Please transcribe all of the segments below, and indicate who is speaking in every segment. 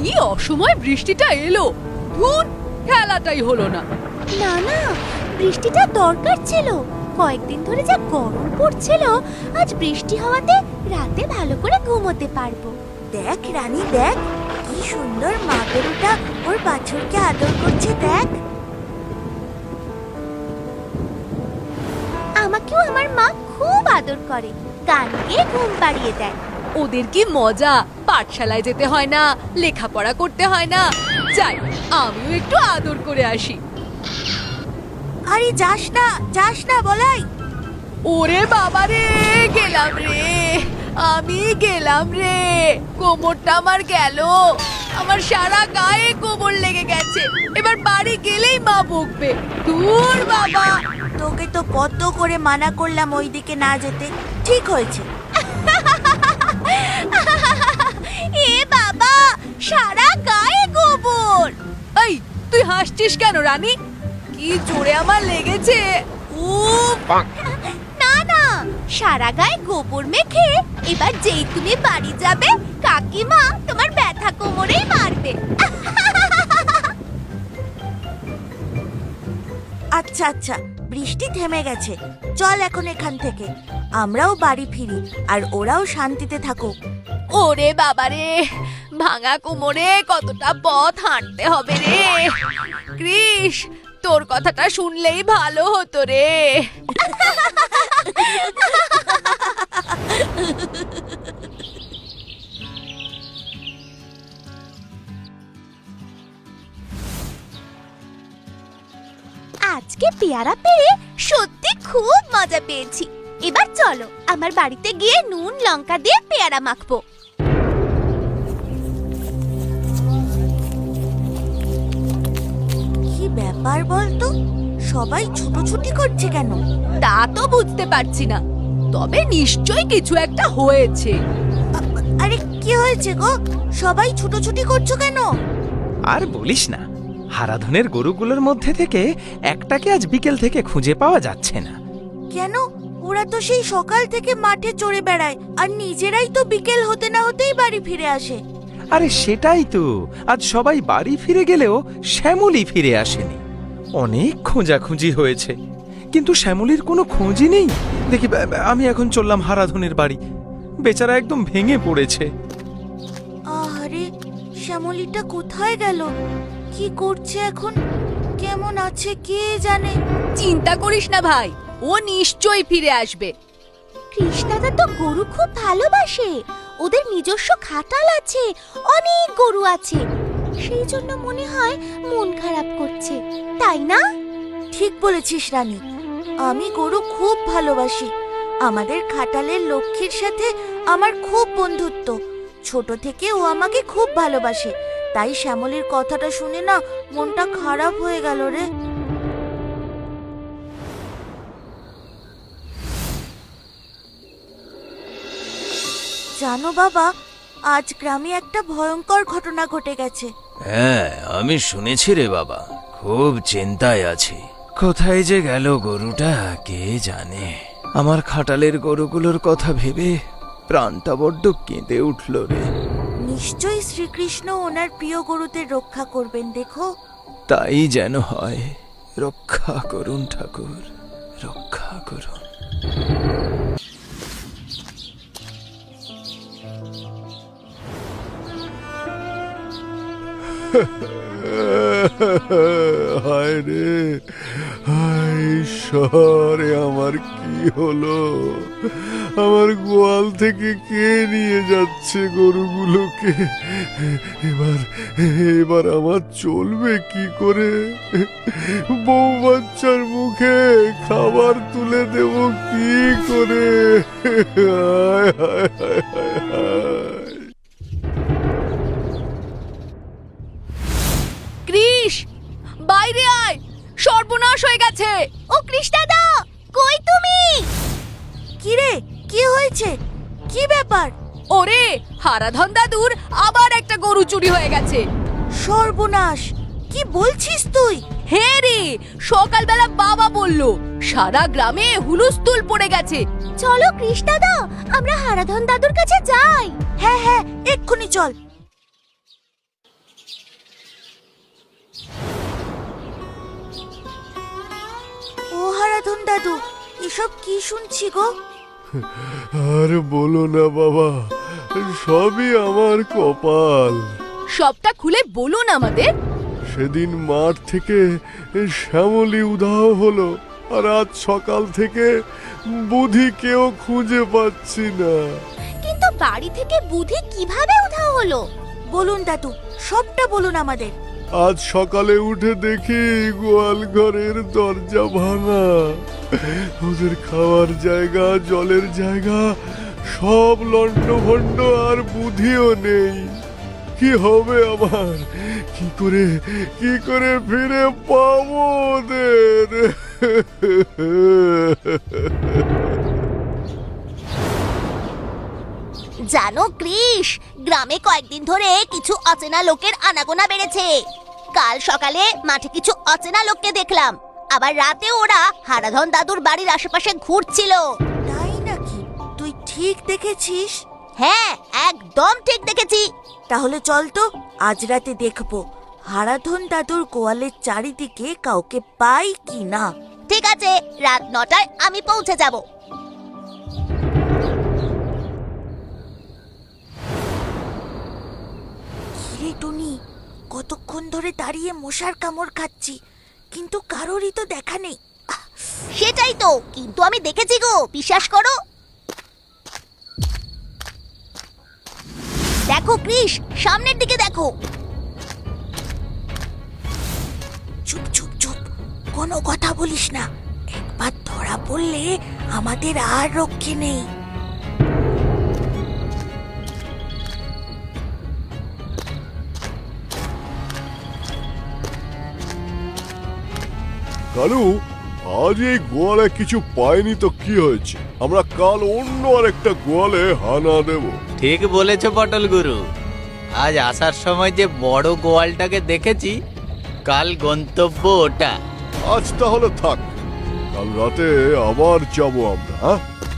Speaker 1: কি অসময় বৃষ্টিটা এলো, ধুর, খেলাটাই হলো না।
Speaker 2: না না, বৃষ্টিটা দরকার ছিল। কয়েকদিন ধরে যা গরম পড়ছিল, আজ বৃষ্টি হওয়াতে রাতে ভালো করে ঘুমোতে পারবো। দেখ রানী, দেখ কি সুন্দর মা গরুটা ওর বাছুরকে আদর করছে। দেখ, আমাকেও আমার মা খুব আদর করে, গান গেয়ে ঘুম পাড়িয়ে দেয়।
Speaker 1: ওদের কি মজা, পাঠশালায় যেতে হয় না, লেখাপড়া করতে হয় না। যাই, আমিও একটু আদর করে আসি।
Speaker 2: আরে যাস না বলাই।
Speaker 1: ওরে বাবা রে, গেলাম রে, আমি গেলাম রে, কোমরটা আমার গেল, আমার সারা গায়ে কোমর লেগে গেছে। এবার বাড়ি গেলেই মা বকবে। দূর বাবা,
Speaker 2: তোকে তো কত করে মানা করলাম ওইদিকে না যেতে, ঠিক হয়েছে। এ বাবা, সারা গায়ে গোবর।
Speaker 1: এই তুই হাসছিস কেন রানী? কি জোরে আমার লেগেছে।
Speaker 2: উফ! না না, সারা গায়ে গোবর মেখে এবার যেই তুমি বাড়ি যাবে, কাকিমা তোমার ব্যথা কোমরেই মারবে। আচ্ছা আচ্ছা, বৃষ্টি থেমে গেছে, চল এখন এখান থেকে আমরাও বাড়ি ফিরি, আর ওরাও শান্তিতে থাকুক।
Speaker 1: ওরে বাবা রে, ভাঙা কোমরে কতটা পথ হাঁটতে হবে রে। কৃষ, তোর কথাটা শুনলেই ভালো হতো রে।
Speaker 2: আজকে পেয়ারা পেরে সত্যি খুব মজা পেয়েছি। এবার চলো আমার বাড়িতে গিয়ে নুন লঙ্কা দিয়ে পেয়ারা মাখবো। কি ব্যাপার বলতো, সবাই ছুটোছুটি করছে কেন?
Speaker 1: তা তো বুঝতে পারছি না, তবে নিশ্চয়ই কিছু একটা হয়েছে।
Speaker 2: আরে কি হয়েছে গো, সবাই ছুটোছুটি করছো কেন?
Speaker 3: আর বলিস না, হারাধনের গরুগুলোর মধ্যে থেকে একটাকে আজ বিকেল থেকে খুঁজে পাওয়া যাচ্ছে না।
Speaker 2: কেন? ওরা তো সেই সকাল থেকে মাঠে চড়ে বেড়ায়, আর নিজেরাই তো বিকেল হতে না হতেই বাড়ি ফিরে আসে।
Speaker 3: আরে সেটাই তো, আজ সবাই বাড়ি ফিরে গেলেও শ্যামলী ফিরে আসেনি। অনেক খোঁজাখুঁজি হয়েছে, কিন্তু শ্যামলীর কোনো খোঁজই নেই। দেখি, আমি এখন চললাম হারাধনের বাড়ি। বেচারা একদম ভেঙে পড়েছে।
Speaker 2: আরে শ্যামলীটা কোথায় গেল? কি করছে এখন? কেমন আছে কে জানে।
Speaker 1: চিন্তা করিস না ভাই, ও নিশ্চয়ই ফিরে আসবে।
Speaker 2: কৃষ্ণাদা তো গরু খুব ভালোবাসে, ওদের নিজস্ব খাটাল আছে, অনেক গরু আছে, সেই জন্য মনে হয় মন খারাপ করছে, তাই না? ঠিক বলেছিস রানী, আমি গরু খুব ভালোবাসি। আমাদের খাটালের লক্ষ্মীর সাথে আমার খুব বন্ধুত্ব, ছোট থেকে ও আমাকে খুব ভালোবাসে। তাই শ্যামলীর কথাটা শুনে না মনটা খারাপ হয়ে গেল রে। জানো বাবা, আজ গ্রামে একটা ভয়ঙ্কর ঘটনা ঘটে গেছে।
Speaker 4: হ্যাঁ, আমি শুনেছি রে বাবা, খুব চিন্তায় আছি। কোথায় যে গেল গরুটা কে জানে। আমার খাটালের গরুগুলোর কথা ভেবে প্রাণটা বড্ড কেঁদে উঠল রে।
Speaker 2: নিশ্চয়ই শ্রীকৃষ্ণ ওনার প্রিয় গরুদের রক্ষা করবেন, দেখো।
Speaker 4: তাই যেন হয়, রক্ষা করুন ঠাকুর, রক্ষা করুন।
Speaker 5: হায় রে, হায় ঈশ্বরে, আমার কি হলো? আমার গোয়াল থেকে কে নিয়ে যাচ্ছে গরুগুলোকে? এবার আমার চলবে কি করে? বউ বাচ্চার মুখে খাবার তুলে দেব কি করে? হায় হায় হায় হায় হায়।
Speaker 1: কৃষ, বাইরে আয়, সর্বনাশ হয়ে গেছে।
Speaker 2: ও কৃষ্ণাদা, কই তুমি? কি রে, কি হয়েছে? কি ব্যাপার?
Speaker 1: ওরে, হারাধন দাদুর আবার একটা গরু চুরি হয়ে গেছে।
Speaker 2: সর্বনাশ, কি বলছিস তুই?
Speaker 1: হে রে, সকালবেলা বাবা বলল সারা গ্রামে হুলুস্থুল পড়ে গেছে।
Speaker 2: চলো কৃষ্ণাদা, আমরা হারাধন দাদুর কাছে যাই। হ্যাঁ হ্যাঁ, এক্ষুনি চল। হারাধন দাদু, এসব কি শুনছি গো?
Speaker 5: আর বলো না বাবা, সবই আমার কপাল।
Speaker 1: সবটা খুলে বলুন আমাদের।
Speaker 5: সেদিন মাঠ থেকে শ্যামলী উধাও হলো, আর আজ সকাল থেকে বুধি কেউ খুঁজে পাচ্ছি না।
Speaker 2: কিন্তু বাড়ি থেকে বুধি কিভাবে উধাও হলো? বলুন দাদু, সবটা বলুন আমাদের।
Speaker 5: আজ সকালে উঠে দেখি গোয়াল ঘরের দরজা ভাঙা, ওদের খাওয়ার জায়গা, জলের জায়গা সব লণ্ডভণ্ড, আর বুধিও নেই। কি হবে আমার? কি করে ফিরে পাবো ওদের?
Speaker 2: জানো কৃষ, গ্রামে কয়েকদিন ধরে কিছু অচেনা লোকের আনাগোনা বেড়েছে। কাল সকালে মাঠে কিছু অচেনা লোককে দেখলাম, আবার রাতে ওরা হারাধন দাদুর বাড়ির আশেপাশে ঘুরছিল। তাই নাকি? তুই ঠিক দেখেছিস? হ্যাঁ, একদম ঠিক দেখেছি। তাহলে চল তো, আজ রাতে দেখবো হারাধন দাদুর গোয়ালের চারিদিকে কাউকে পাই কি না। ঠিক আছে, রাত 9টায় আমি পৌঁছে যাব। কিরে টুনি, কতক্ষণ ধরে দাঁড়িয়ে মশার কামড় খাচ্ছি, কিন্তু কারোরই তো দেখা নেই। সেটাই তো, কিন্তু আমি দেখেছি গো, বিশ্বাস করো। দেখো কৃষ, সামনের দিকে দেখো। চুপ চুপ চুপ, কোনো কথা বলিস না। একবার ধরা পড়লে আমাদের আর রক্ষে নেই।
Speaker 5: কালু, আজ এই গোয়ালে কিছু পাইনি তো কি হয়েছে? আমরা কাল অন্য আরেকটা গোয়ালে হানা দেব।
Speaker 6: ঠিক বলেছ পটল গুরু, আজ আসার সময় যে বড় গোয়ালটাকে দেখেছি, কাল গন্তব্য ওটা।
Speaker 5: আজ তাহলে থাক, কাল রাতে আবার যাব আমরা। হ্যাঁ,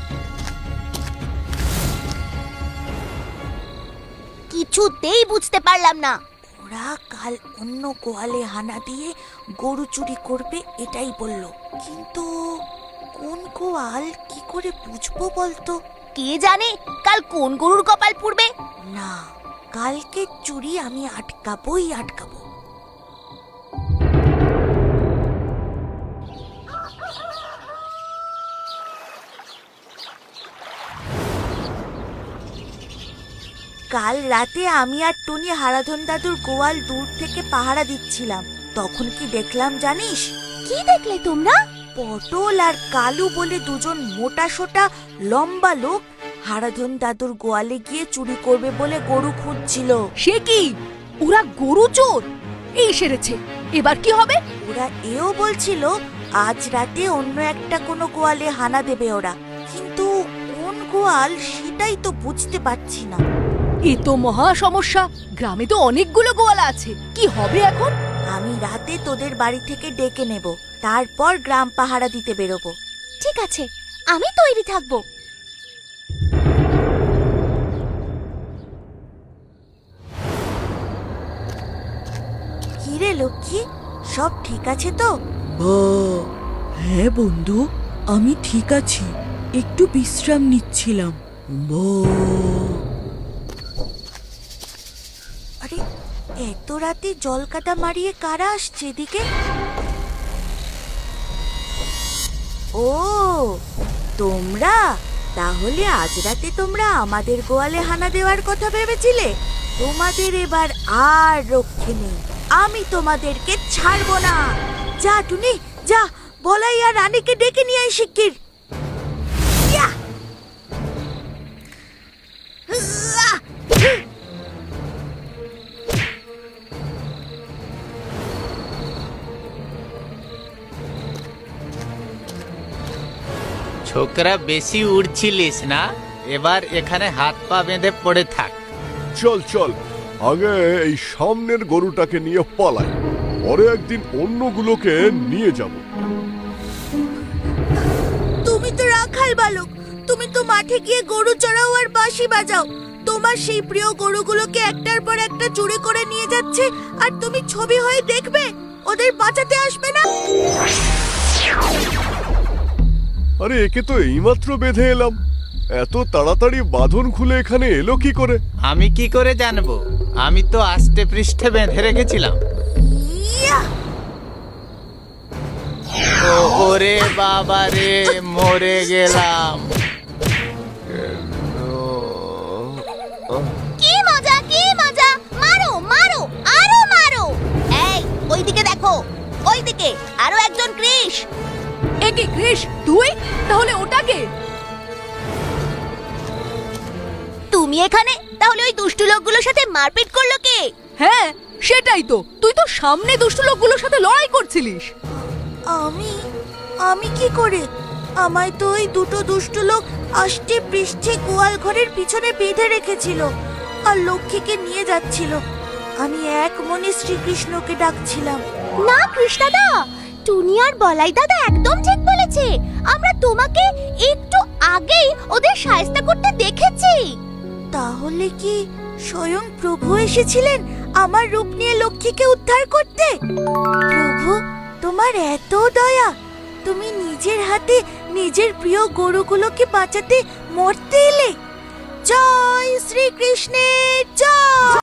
Speaker 2: কিছুতেই বুঝতে পারলাম না, ওরা কাল অন্য গোয়ালে হানা দিয়ে গরু চুরি করবে এটাই বলল, কিন্তু কোন গোয়াল কি করে বুঝবো বলতো? কে জানে কাল কোন গরুর কপাল পুড়বে। না, কালকে চুরি আমি আটকাবোই আটকাবো। কাল রাতে আমি আর টুনি হারাধন দাদুর গোয়াল দূর থেকে পাহারা দিচ্ছিলাম। তখন কি দেখলাম জানিস? কি দেখলে তোমরা? পটল আর কালু বলে দুজন মোটা সোটা লম্বা লোক হারাধন দাদুর গোয়ালে গিয়ে চুরি করবে বলে গরু খুঁজছিল।
Speaker 1: সে কি, ওরা গরু চোর? এই সেরেছে, এবার কি হবে?
Speaker 2: ওরা এও বলছিল আজ রাতে অন্য একটা কোনো গোয়ালে হানা দেবে ওরা, কিন্তু কোন গোয়াল সেটাই তো বুঝতে পারছি না।
Speaker 1: এ তো মহা সমস্যা, গ্রামে তো অনেকগুলো গোয়ালা আছে, কি হবে এখন?
Speaker 2: আমি রাতে তোদের বাড়ি থেকে ডেকে নেব, তারপর গ্রাম পাহারা দিতে বেরোবো। ঠিক আছে, আমি তৈরি থাকবো। কিরে লক্ষ্মী, সব ঠিক আছে তো?
Speaker 7: হ্যাঁ বন্ধু, আমি ঠিক আছি, একটু বিশ্রাম নিচ্ছিলাম।
Speaker 2: আরে, এত রাতে জলকাটা মারিয়ে কারা আসছে এদিকে? ও, তোমরা তাহলে আজ রাতে তোমরা আমাদের গোয়ালে হানা দেওয়ার কথা ভেবেছিলে? তোমাদের এবার আর রক্ষে নেই, আমি তোমাদেরকে ছাড়বো না। যা টুনি, যা, বলাই আর রানীকে ডেকে নিয়ে আয় শিগগির। ইয়া! উয়া!
Speaker 6: ছোকরা, বেশি উড়ছিলিস না, এবার এখানে হাত পা বেঁধে পড়ে থাক।
Speaker 5: চল চল, আগে এই সামনের গরুটাকে নিয়ে পালাই, পরে একদিন অন্যগুলোকে নিয়ে যাব।
Speaker 2: তুমি তো রাখাল বালক, তুমি তো মাঠে গিয়ে গরু চড়াও আর বাঁশি বাজাও। তোমার সেই প্রিয় গরুগুলোকে একটার পর একটা চুরি করে নিয়ে যাচ্ছে, আর তুমি ছবি হয়ে দেখবে, ওদের বাঁচাতে আসবে না?
Speaker 5: আরে একে তো এইমাত্র বেঁধে এলাম, এত তাড়াতাড়ি বাঁধন খুলে এখানে এলো কি করে?
Speaker 6: আমি কি করে জানবো? আমি তো আস্তে পৃষ্ঠে বেঁধে রেখেছিলাম। ওরে বাবা রে, মরে গেলাম।
Speaker 2: কি মজা, কি মজা! মারো মারো, আরো মারো! এই ওইদিকে দেখো, ওইদিকে আরো একজন কৃষ।
Speaker 1: এ কি কৃষ, তুই? তাহলে ওটাকে?
Speaker 2: তুমি এখানে? তাহলে ওই দুষ্টু লোকগুলোর সাথে মারপিট করলো কে?
Speaker 1: হ্যাঁ, সেটাই তো। তুই তো সামনে দুষ্ট লোকগুলোর সাথে লড়াই করছিলিস।
Speaker 2: আমি কি করে? আমায় তো ওই দুটো দুষ্টু লোক আষ্টে পৃষ্ঠে গোয়াল ঘরের পিছনে বেঁধে রেখেছিল আর লক্ষ্মীকে নিয়ে যাচ্ছিল। আমি এক মনে শ্রীকৃষ্ণকে ডাকছিলাম। না কৃষ্ণাদা, টুনি আর বলাই দাদা একদম ঠিক বলেছে। আমরা তোমাকে একটু আগেই ওদের সাহায্য করতে দেখেছি। তাহলে কি স্বয়ং প্রভু এসেছিলেন আমার রূপ নিয়ে লক্ষ্মীকে উদ্ধার করতে? প্রভু, তোমার এত দয়া! তুমি নিজের হাতে নিজের প্রিয় গরুগুলোকে বাঁচাতে মরতে এলে। জয় শ্রীকৃষ্ণের জয়!